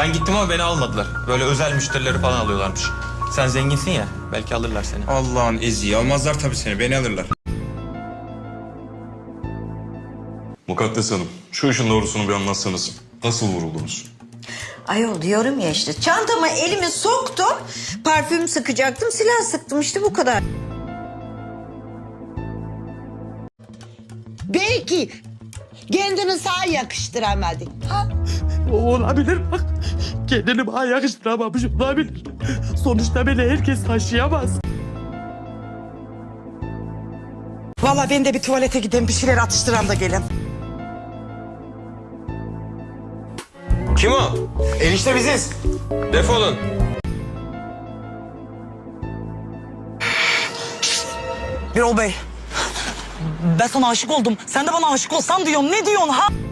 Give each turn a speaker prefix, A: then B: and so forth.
A: Ben gittim ama beni almadılar. Böyle özel müşterileri falan alıyorlarmış. Sen zenginsin ya, belki alırlar seni.
B: Allah'ın eziği. Almazlar tabii seni. Beni alırlar.
C: Mukaddes Hanım, şu işin doğrusunu bir anlatsanız. Nasıl vuruldunuz?
D: Ayol diyorum ya işte çantama elimi soktum. Parfüm sıkacaktım, silah sıktım işte bu kadar.
E: Belki kendini sağa yakıştıramadın.
F: O olabilir bak. Kendini bana yakıştıramamış olabilir. Sonuçta beni herkes taşıyamaz. Vallahi ben de bir tuvalete gideyim, bir şeyler atıştıram da gelin.
A: Kim o? Enişte biziz. Defolun.
F: Birol Bey, ben sana aşık oldum. Sen de bana aşık olsan diyorum. Ne diyorsun ha?